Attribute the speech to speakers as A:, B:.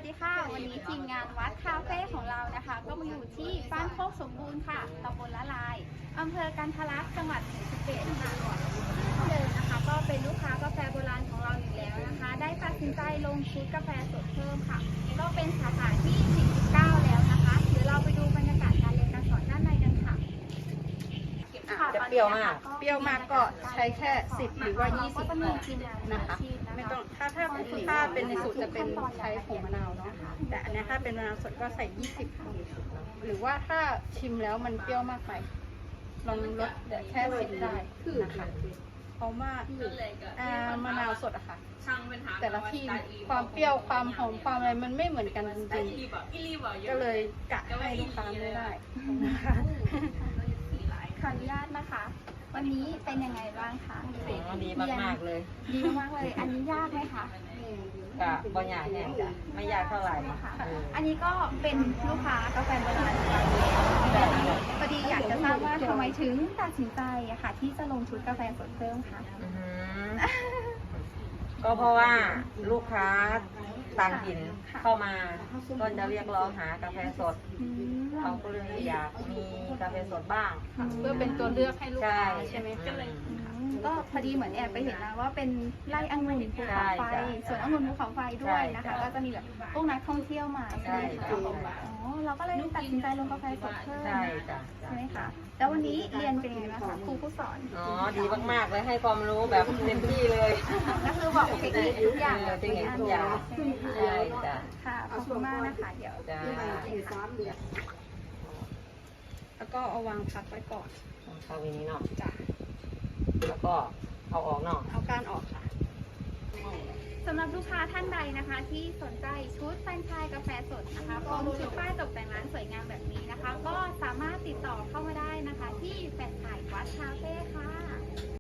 A: ดีค่ะวันนี้ทีมงานวัดคาเฟ่ของเรานะคะก็มาอยู่ที่บ้านโคกสมบูรณ์ค่ะตำบลละลายอำเภอกันทะลักจังหวัดศรีสะเกษค่ะเดิมนะคะก็เป็นลูกค้ากาแฟโบราณของเราอยู่แล้วนะคะได้ตัดสินใจลงชุดกาแฟสดเพิ่มค่ะก็เป็นสาขาที่49แล้วนะคะเดี๋ยวเราไปดูบรรยากาศการเรียนการสอนด้านในกันค่ะ
B: จะเปรี้ยวมาก
C: เปรี้ยวมากก็ใช้แค่10หรือว่า20
A: ก็จะมีทีมงาน
C: นะคะ ไม่ต้องถ้าเป็นในสูตรจะเป็นใช้ผงมะนาวเนาะแต่อันนี้ถ้าเป็นมะนาวสดก็ใส่20หรือว่าถ้าชิมแล้วมันเปรี้ยวมากไปลองลดเหลือแค่10ได้นะคะเพราะว่ามะนาวสดอะค่ะแต่ละที่ความเปรี้ยวความหอมความอะไรมันไม่เหมือนกันจริงๆก็เลยกะให้ลูกค้าไม่ได้นะคะ
A: ขออนุญาตนะคะ วันนี้เป็นยังไงบ้างคะ
B: ดีมากๆเลย
A: ดีมากเลย อันนี้ยากไหมคะ
B: กะบ่ยากแน่จ้ะไม่ยากเท่าไหร่
A: ค่ะอันนี้ก็เป็นลูกค้ากาแฟโบราณของเราแล้วพอดีอยากจะทราบว่าทำไมถึงตัดสินใจอะค่ะ ที่จะลงชุดกาแฟสดเพิ่มคะ
B: ก็เพราะว่าลูกค้าต่างถิ่นเข้ามาก็จะเรียกร้องหากาแฟสดเขาก็เลยอยากมีกาแฟสดบ้าง
C: เพื่อเป็นตัวเลือกให้ลูกค้าใช่ไหมคะ
A: ก็พอดีเหมือนแอบไปเห็นนะว่าเป็นไร่องุ่นภูเขาไฟสวนองุ่นภูเขาไฟด้วยนะคะ ก็จะมีแบบพวกนักท่องเที่ยวมาใช่ไหมคะอ๋อเราก็เลยตัดสินใจลงกาแฟสดเพิ่ม
B: ใช่จ้ะ
A: ใช่ไหมคะแล้ววันนี้เรียนเป็นยังไงบ้างคะครูผู้สอน
B: อ๋อดีมากๆเลยให้ความรู้แบบเต็มที่เลย
A: ก็คือบอกเทคนิคทุกอย่าง
B: เทคนิคทุกอย่างใช่จ้ะ
A: ค่ะขอบคุณมากนะคะเดี๋ยว
B: จ้ะ
C: แล้วก็เอาวางพักไว้ก่อน
B: เข้าวินี้เนาะ
C: จ้ะ
B: แล้วก็เอาออกเนาะ
C: เอาก้านออกค่ะ
A: สำหรับลูกค้าท่านใดนะคะ ที่สนใจชุดแฟรนไชส์กาแฟสดนะคะพร้อมชุดป้ายตกแต่งร้านสวยงามแบบนี้นะคะ ก็สามารถติดต่อเข้ามาได้นะคะ ที่แฟรนไชส์วัดคาเฟ่